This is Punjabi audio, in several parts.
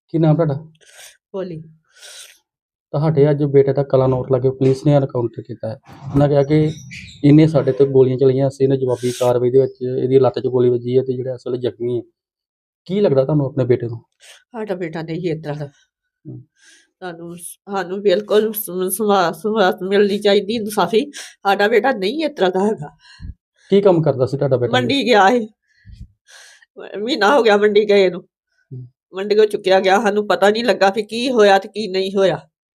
ਕੀ ਨਾਮ ਤੁਹਾਡਾ? ਭੋਲੀ। ਤੁਹਾਡੇ ਅੱਜ ਬੇਟੇ ਦਾ ਕਲਾਨੌਰ ਲਾਗੇ ਪੁਲਿਸ ਨੇ ਐਨਕਾਊਂਟਰ ਕੀਤਾ ਹੈ। ਉਹਨਾਂ ਕਿਹਾ ਕਿ ਇਹਨੇ ਸਾਡੇ ਤੇ ਗੋਲੀਆਂ ਚਲਾਈਆਂ, ਅਸੀਂ ਇਹਨੇ ਜਵਾਬੀ ਕਾਰਵਾਈ ਦੇ ਵਿੱਚ ਇਹਦੀ ਲੱਤ 'ਚ ਗੋਲੀ ਵੱਜੀ ਹੈ ਤੇ ਜਿਹੜਾ ਅਸਲ ਜ਼ਖਮੀ ਹੈ। ਕੀ ਲੱਗਦਾ ਤੁਹਾਨੂੰ ਆਪਣੇ ਬੇਟੇ ਨੂੰ? ਸਾਡਾ ਬੇਟਾ ਨਹੀਂ ਇਸ ਤਰ੍ਹਾਂ ਦਾ। ਹਮ। ਸਾਨੂੰ ਬਿਲਕੁਲ ਸਵਾਸ ਮਿਲਣੀ ਚਾਹੀਦੀ, ਇਨਸਾਫੀ। ਸਾਡਾ ਬੇਟਾ ਨਹੀਂ ਇਸ ਤਰ੍ਹਾਂ ਦਾ ਹੈਗਾ। ਕੀ ਕੰਮ ਕਰਦਾ ਸੀ ਤੁਹਾਡਾ ਬੇਟਾ? ਮੰਡੀ ਗਿਆ ਸੀ, ਮਹੀਨਾ ਹੋ ਗਿਆ ਮੰਡੀ ਗਏ ਨੂੰ। ਮੰਡੀ ਕੋ ਚੁੱਕਿਆ ਗਿਆ, ਸਾਨੂੰ ਪਤਾ ਨਹੀਂ ਲੱਗਾ ਵੀ ਕੀ ਹੋਇਆ ਤੇ ਕੀ ਨਹੀਂ ਹੋਇਆ।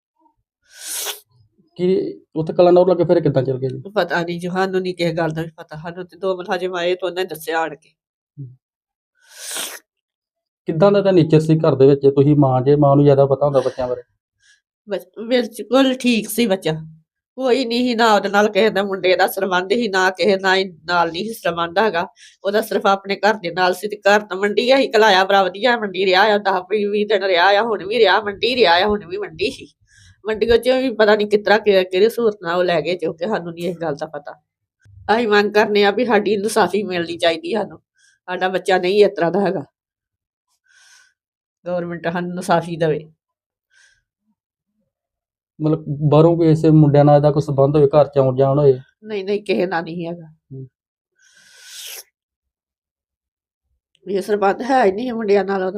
ਕੀ ਉੱਥੇ ਕਲਾਨੌਰ ਲਾਗੇ ਫਿਰ ਕਿੱਦਾਂ ਚੱਲ ਗਿਆ ਜੀ? ਪਤਾ ਨਹੀਂ ਜੀ, ਸਾਨੂੰ ਨਹੀਂ ਕਿਸੇ ਗੱਲ ਦਾ ਵੀ ਪਤਾ। ਸਾਨੂੰ ਤੇ 2 ਮੁਲਾਜ਼ਮ ਆਏ ਤੇ ਉਹਨੇ ਦੱਸਿਆ ਆਣ ਕੇ। ਕਿੱਦਾਂ ਦਾ ਨੇਚਰ ਸੀ ਘਰ ਦੇ ਵਿੱਚ? ਤੁਸੀਂ ਮਾਂ ਜੇ, ਮਾਂ ਨੂੰ ਜ਼ਿਆਦਾ ਪਤਾ ਹੁੰਦਾ ਬੱਚਿਆਂ ਬਾਰੇ। ਬਿਲਕੁਲ ਠੀਕ ਸੀ ਬੱਚਾ, ਕੋਈ ਨਹੀਂ ਸੀ ਨਾ ਉਹਦੇ ਨਾਲ ਕਿਸੇ ਦਾ ਮੁੰਡੇ ਦਾ ਸੰਬੰਧ ਹੀ, ਨਾ ਕਿਸੇ ਨਾਲ ਨਹੀਂ ਸੀ ਸੰਬੰਧ ਹੈਗਾ ਉਹਦਾ। ਸਿਰਫ ਆਪਣੇ ਘਰ ਦੇ ਨਾਲ ਸੀ ਤੇ ਘਰ ਤਾਂ ਮੰਡੀ ਅਸੀਂ ਕਲਾਇਆ, ਬੜਾ ਵਧੀਆ ਮੰਡੀ ਰਿਹਾ ਆ। 10-20 ਦਿਨ ਰਿਹਾ ਆ, ਹੁਣ ਵੀ ਰਿਹਾ ਮੰਡੀ, ਰਿਹਾ ਆ ਹੁਣ ਵੀ ਮੰਡੀ ਸੀ। ਮੰਡੀ ਵਿੱਚ ਵੀ ਪਤਾ ਨਹੀਂ ਕਿਸ ਤਰ੍ਹਾਂ ਕਿਹੜੀ ਸਹੂਲਤ ਨਾਲ ਉਹ ਲੈ ਗਏ, ਜੋ ਕਿ ਸਾਨੂੰ ਨਹੀਂ ਇਸ ਗੱਲ ਦਾ ਪਤਾ। ਅਸੀਂ ਮੰਗ ਕਰਨੇ ਆ ਵੀ ਸਾਡੀ ਇਨਸਾਫੀ ਮਿਲਣੀ ਚਾਹੀਦੀ ਸਾਨੂੰ। ਸਾਡਾ ਬੱਚਾ ਨਹੀਂ ਇਸ ਤਰ੍ਹਾਂ ਦਾ ਹੈਗਾ, ਗੌਰਮੈਂਟ ਸਾਨੂੰ ਇਨਸਾਫੀ ਦੇਵੇ। ਮਤਲਬ ਬਾਹਰੋਂ ਕੋਈ ਐਸੇ ਮੁੰਡਿਆਂ ਨਾਲ ਇਹਦਾ ਕੋਈ ਸੰਬੰਧ ਹੋਵੇ, ਘਰ 'ਚ ਆਉਣ ਜਾਣ ਹੋਏ? ਨਹੀਂ ਕਿਸੇ ਨਾਲ ਨਹੀਂ ਹੈਗਾ। ਇਹ ਸੰਬੰਧ ਹੈ ਹੀ ਨਹੀਂ ਮੁੰਡਿਆਂ ਨਾਲ ਉਹਦਾ।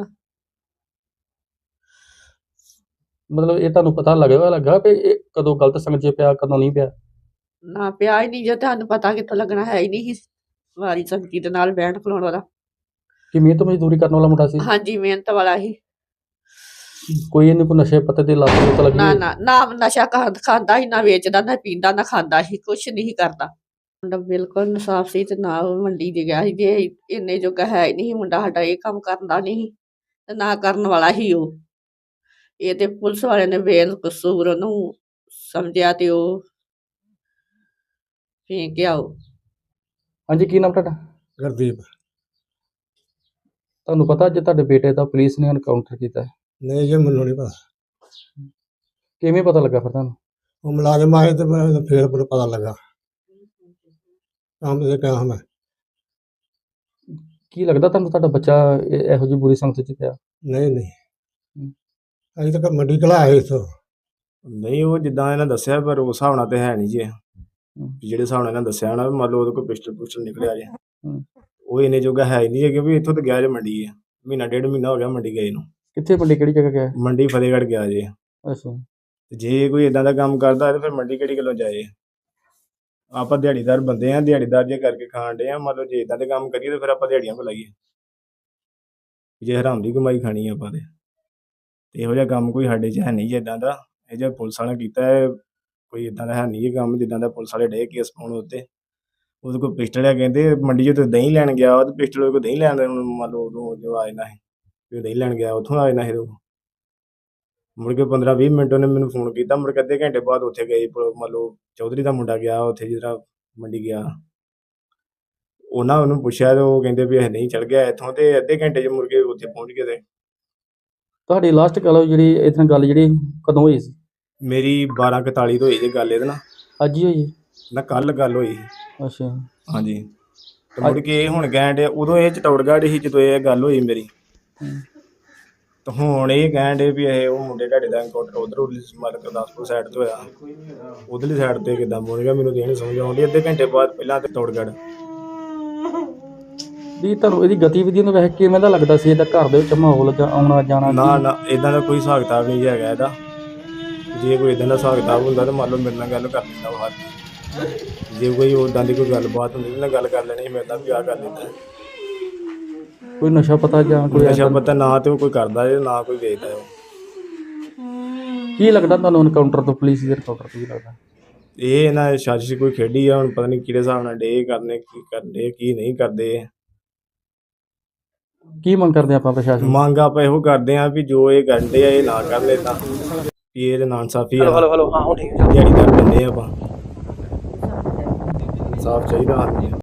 ਮਤਲਬ ਇਹ ਤੁਹਾਨੂੰ ਪਤਾ ਲੱਗਾ ਵੀ ਇਹ ਕਦੋਂ ਗਲਤ ਸੰਗਤ 'ਚ ਪਿਆ, ਕਦੋਂ ਨਹੀਂ ਪਿਆ? ਨਾ ਪਿਆ ਹੀ ਨਹੀਂ, ਜੇ ਤੁਹਾਨੂੰ ਪਤਾ ਕਿੱਥੋਂ ਲੱਗਣਾ, ਹੈ ਹੀ ਨਹੀਂ ਸੀ ਵਾਰੀ ਸੰਗਤੀ ਦੇ ਨਾਲ ਬਹਿਣ ਖਲੋਣ ਵਾਲਾ। ਕਿ ਮਿਹਨਤ ਮਜ਼ਦੂਰੀ ਕਰਨ ਵਾਲਾ ਮੁੰਡਾ ਸੀ? ਹਾਂਜੀ, ਮਿਹਨਤ ਵਾਲਾ ਹੀ। ਕੋਈ ਇਹਨੂੰ ਕੋਈ ਨਸ਼ੇ ਪੱਤੇ ਦੀ ਲੱਤ ਲੁੱਤ ਲੱਗੀ? ਨਾ ਨਸ਼ਾ ਖਾਂਦਾ ਹੀ, ਨਾ ਵੇਚਦਾ, ਨਾ ਪੀਂਦਾ, ਨਾ ਖਾਂਦਾ ਸੀ, ਕੁਛ ਨਹੀਂ ਕਰਦਾ। ਮੁੰਡਾ ਬਿਲਕੁਲ ਇਨਸਾਫ ਸੀ ਤੇ ਨਾ ਉਹ ਮੰਡੀ 'ਚ ਗਿਆ ਸੀ। ਜੇ ਇੰਨੇ ਜੋਗਾ ਹੈ ਹੀ ਨਹੀਂ ਮੁੰਡਾ ਸਾਡਾ, ਇਹ ਕੰਮ ਕਰਦਾ ਨਹੀਂ ਤੇ ਨਾ ਕਰਨ ਵਾਲਾ ਹੀ ਉਹ। ਇਹ ਤੇ ਪੁਲਿਸ ਵਾਲਿਆਂ ਨੇ ਬੇਕਸੂਰ ਉਹਨੂੰ ਸਮਝਿਆ ਤੇ ਉਹ ਫੇਂਕ ਗਿਆ ਉਹ। ਹਾਂਜੀ, ਕੀ ਨਾਮ ਤੁਹਾਡਾ? ਗੁਰਦੀਪ। ਤੁਹਾਨੂੰ ਪਤਾ ਅੱਜ ਤੁਹਾਡੇ ਬੇਟੇ ਦਾ ਪੁਲਿਸ ਨੇ ਐਨਕਾਊਂਟਰ ਕੀਤਾ ਹੈ? ਨਹੀਂ ਜੀ, ਮੈਨੂੰ ਨਹੀਂ ਪਤਾ। ਕਿਵੇਂ ਪਤਾ ਲੱਗਾ ਫਿਰ ਤੁਹਾਨੂੰ? ਉਹ ਮੁਲਾਜ਼ਮ ਆਏ ਤੇ ਮੈਂ ਫਿਰ ਮੈਨੂੰ ਪਤਾ ਲੱਗਾ। ਕੰਮ ਤੇ ਗਿਆ ਮੈਂ। ਕੀ ਲੱਗਦਾ ਤੁਹਾਨੂੰ ਤੁਹਾਡਾ ਬੱਚਾ ਇਹੋ ਜਿਹੀ ਬੁਰੀ ਸੰਗਤ 'ਚ ਪਿਆ? ਨਹੀਂ ਅਜੇ ਤੱਕ ਮੰਡੀ ਘਲਾਇਆ ਇੱਥੋਂ। ਨਹੀਂ, ਉਹ ਜਿੱਦਾਂ ਇਹਨਾਂ ਦੱਸਿਆ, ਪਰ ਉਸ ਹਿਸਾਬ ਨਾਲ ਤੇ ਹੈ ਨਹੀਂ ਜੀ। ਜਿਹੜੇ ਹਿਸਾਬ ਨਾਲ ਇਹਨਾਂ ਦੱਸਿਆ ਨਾ, ਮੰਨ ਲਓ ਉਹਦੇ ਕੋਲ ਪਿਸਟਲ ਨਿਕਲਿਆ ਜੇ, ਉਹ ਇੰਨੇ ਜੋਗਾ ਹੈ ਹੀ ਨਹੀਂ, ਕਿਉਂਕਿ ਇੱਥੋਂ ਤਾਂ ਗਿਆ ਜੇ ਮੰਡੀ ਹੈ। 1.5 ਮਹੀਨਾ ਹੋ ਗਿਆ ਮੰਡੀ ਗਏ ਨੂੰ। ਕਿੱਥੇ ਮੰਡੀ, ਕਿਹੜੀ ਜਗ੍ਹਾ ਗਿਆ? ਮੰਡੀ ਫਤਿਹਗੜ੍ਹ ਗਿਆ ਜੇ। ਅੱਛਾ। ਜੇ ਕੋਈ ਇਦਾਂ ਦਾ ਕੰਮ ਕਰਦਾ ਤੇ ਫਿਰ ਮੰਡੀ ਕਿਹੜੀ ਗੱਲੋਂ ਜਾਏ? ਆਪਾਂ ਦਿਹਾੜੀਦਾਰ ਬੰਦੇ ਆ, ਦਿਹਾੜੀਦਾਰ ਜੇ ਕਰਕੇ ਖਾਣ ਡੇ ਆ। ਮਤਲਬ ਜੇ ਇਦਾਂ ਦੇ ਕੰਮ ਕਰੀਏ ਤਾਂ ਫਿਰ ਆਪਾਂ ਦਿਹਾੜੀਆਂ ਕੋ ਲਾਈਏ? ਜੇ ਹਰਾਮ ਦੀ ਕਮਾਈ ਖਾਣੀ ਆਪਾਂ ਤੇ ਇਹੋ ਜਿਹਾ ਕੰਮ ਕੋਈ ਸਾਡੇ 'ਚ ਹੈ ਨਹੀਂ ਜੀ ਇੱਦਾਂ ਦਾ। ਇਹ ਜਿਹੜਾ ਪੁਲਿਸ ਵਾਲਿਆਂ ਕੀਤਾ ਹੈ, ਕੋਈ ਇੱਦਾਂ ਦਾ ਹੈ ਨਹੀਂ ਇਹ ਕੰਮ ਜਿੱਦਾਂ ਦਾ ਪੁਲਿਸ ਵਾਲੇ ਡੇ ਕੇਸ ਪਾਉਣ ਉੱਤੇ। ਉਹਦੇ ਕੋਲ ਪਿਸਟਲ ਹੈ, ਕਹਿੰਦੇ ਮੰਡੀ 'ਚ ਦਹੀਂ ਲੈਣ ਗਿਆ ਉਹ, ਤੇ ਪਿਸਟਲ ਉਹਦੇ ਕੋਲ ਦਹੀਂ ਲੈਣ ਦੇ ਮੰਨ ਲਓ ਉਦੋਂ ਜੋ ਆ ਜਾਣਾ ਸੀ ਵੀ ਉਹ ਦਹੀਂ ਲੈਣ ਗਿਆ, ਉੱਥੋਂ ਆ ਜਾਣਾ ਸੀ। ਮੁੜ ਕੇ 15-20 ਮਿੰਟ ਉਹਨੇ ਮੈਨੂੰ ਫੋਨ ਕੀਤਾ। ਮੁੜ ਕੇ ਅੱਧੇ ਘੰਟੇ ਬਾਅਦ ਉੱਥੇ ਗਏ, ਮੰਨ ਲਓ ਚੌਧਰੀ ਦਾ ਮੁੰਡਾ ਗਿਆ ਉੱਥੇ, ਜਿਸ ਤਰ੍ਹਾਂ ਮੰਡੀ ਗਿਆ। ਉਹਨੂੰ ਪੁੱਛਿਆ ਤੇ ਉਹ ਕਹਿੰਦੇ ਵੀ ਇਹ ਨਹੀਂ ਚੜ ਗਿਆ ਇੱਥੋਂ, ਤੇ ਅੱਧੇ ਘੰਟੇ 'ਚ ਮੁੜ ਕੇ ਉੱਥੇ ਪਹੁੰਚ ਗਏ। ਤੇ ਤੁਹਾਡੀ ਲਾਸਟ ਗੱਲ ਜਿਹੜੀ ਇਹਦੇ ਨਾਲ ਗੱਲ ਜਿਹੜੀ ਕਦੋਂ ਹੋਈ ਸੀ? ਮੇਰੀ 12:41 ਤੋਂ ਹੋਈ ਜੀ ਗੱਲ ਇਹਦੇ ਨਾਲ। ਅੱਜ ਹੀ ਹੋਈ? ਨਾ ਕੱਲ ਗੱਲ ਹੋਈ। ਅੱਛਾ। ਹਾਂਜੀ। ਤੇ ਮੁੜ ਕੇ ਇਹ ਹੁਣ ਕਹਿਣ ਡੇ, ਉਦੋਂ ਇਹ ਚਟੌੜਗੜ੍ਹ ਸੀ ਜਦੋਂ ਇਹ ਗੱਲ ਹੋਈ ਮੇਰੀ। ਤੇ ਹੁਣ ਇਹ ਕਹਿਣ ਡੇ ਵੀ ਇਹ ਉਹ ਮੁੰਡੇ ਤੁਹਾਡੇ ਦਾ ਐਨਕਾਊਂਟਰ ਉੱਧਰ ਮਤਲਬ ਗੁਰਦਾਸਪੁਰ ਸਾਈਡ ਤੋਂ ਹੋਇਆ, ਉੱਧਰਲੀ ਸਾਈਡ 'ਤੇ ਕਿੱਦਾਂ ਬੋਲ ਗਿਆ ਮੈਨੂੰ ਤਾਂ ਇਹ ਨਹੀਂ ਸਮਝ ਆਉਂਦੀ। ਅੱਧੇ ਘੰਟੇ ਬਾਅਦ ਪਹਿਲਾਂ ਤੇ ਚਟੌੜਗੜ੍ਹ ਦੀ ਤੁਹਾਨੂੰ ਇਹਦੀ ਗਤੀਵਿਧੀਆਂ ਨੂੰ ਵੇਖ ਕੇ ਕਿਵੇਂ ਦਾ ਲੱਗਦਾ ਸੀ? ਇਹਦਾ ਘਰ ਦੇ ਵਿੱਚ ਮਾਹੌਲ ਆਉਣਾ ਜਾਣਾ? ਨਾ ਇੱਦਾਂ ਦਾ ਕੋਈ ਹਿਸਾਬ ਕਿਤਾਬ ਨਹੀਂ ਹੈਗਾ ਇਹਦਾ। ਜੇ ਕੋਈ ਇੱਦਾਂ ਦਾ ਹਿਸਾਬ ਕਿਤਾਬ ਹੁੰਦਾ ਤਾਂ ਮੰਨ ਲਓ ਮੇਰੇ ਨਾਲ ਗੱਲ ਕਰ ਲੈਂਦਾ ਉਹ ਹੱਥ। ਜੇ ਕੋਈ ਉੱਦਾਂ ਦੀ ਕੋਈ ਗੱਲਬਾਤ ਹੁੰਦੀ ਉਹਦੇ ਨਾਲ ਗੱਲ ਕਰ ਲੈਣੀ, ਮੇਰੇ ਨਾਲ ਵੀ ਆਹ ਕਰ ਲੈਂਦਾ। ਕੋਈ ਨਸ਼ਾ ਪਤਾ ਜਾਂ ਕੋਈ ਨਸ਼ਾ ਪਤਾ ਨਾ ਤੇ ਉਹ ਕੋਈ ਕਰਦਾ ਜੇ, ਨਾ ਕੋਈ ਵੇਚਦਾ ਉਹ। ਕੀ ਲੱਗਦਾ ਤੁਹਾਨੂੰ ਐਨਕਾਊਂਟਰ ਤੋਂ, ਪੁਲਿਸ ਦੇ ਐਨਕਾਊਂਟਰ ਤੋਂ ਕੀ ਲੱਗਦਾ? ਇਹ ਇਹਨਾਂ ਸਾਜ਼ਿਸ਼ ਕੋਈ ਖੇਡੀ ਆ, ਹੁਣ ਪਤਾ ਨਹੀਂ ਕਿਹੜੇ ਹਿਸਾਬ ਨਾਲ ਡੇ ਕਰਨੇ, ਕੀ ਕਰਦੇ ਕੀ ਨਹੀਂ ਕਰਦੇ। ਕੀ ਮੰਗ ਕਰਦੇ ਆਪਾਂ ਪ੍ਰਸ਼ਾਸਨ? ਮੰਗ ਆਪਾਂ ਇਹੋ ਕਰਦੇ ਆ ਵੀ ਜੋ ਇਹ ਕਰਦੇ ਆ ਇਹ ਨਾ ਕਰ ਲੈ, ਤਾਂ ਵੀ ਇਹ ਨਾ ਇਨਸਾਫੀ ਆ। ਦਿਹਾੜੀਦਾਰ ਬੰਦੇ ਆਪਾਂ, ਇਨਸਾਫ ਚਾਹੀਦਾ।